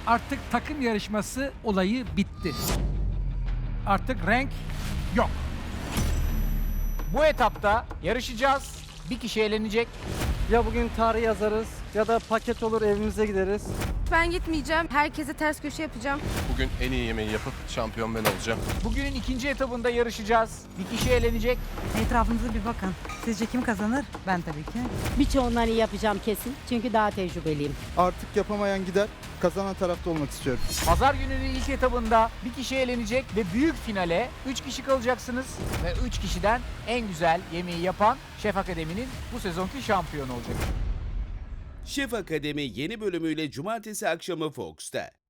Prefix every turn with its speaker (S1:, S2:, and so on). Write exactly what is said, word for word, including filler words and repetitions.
S1: Artık takım yarışması olayı bitti. Artık renk yok.
S2: Bu etapta yarışacağız. Bir kişi eğlenecek.
S3: Ya bugün tarih yazarız ya da paket olur evimize gideriz.
S4: Ben gitmeyeceğim. Herkese ters köşe yapacağım.
S5: Bugün en iyi yemeği yapıp şampiyon ben olacağım.
S2: Bugünün ikinci etabında yarışacağız. Bir kişi eğlenecek.
S6: Etrafınıza bir bakın. Sizce kim kazanır? Ben tabii ki.
S7: Birçoğundan iyi yapacağım kesin. Çünkü daha tecrübeliyim.
S8: Artık yapamayan gider, kazanan tarafta olmak istiyorum.
S2: Pazar gününün ilk etabında bir kişi eğlenecek ve büyük finale üç kişi kalacaksınız. Ve üç kişiden en güzel yemeği yapan Şef Akademi'nin bu sezonki şampiyonu olacak.
S9: Şef Akademi yeni bölümüyle cumartesi akşamı Fox'ta.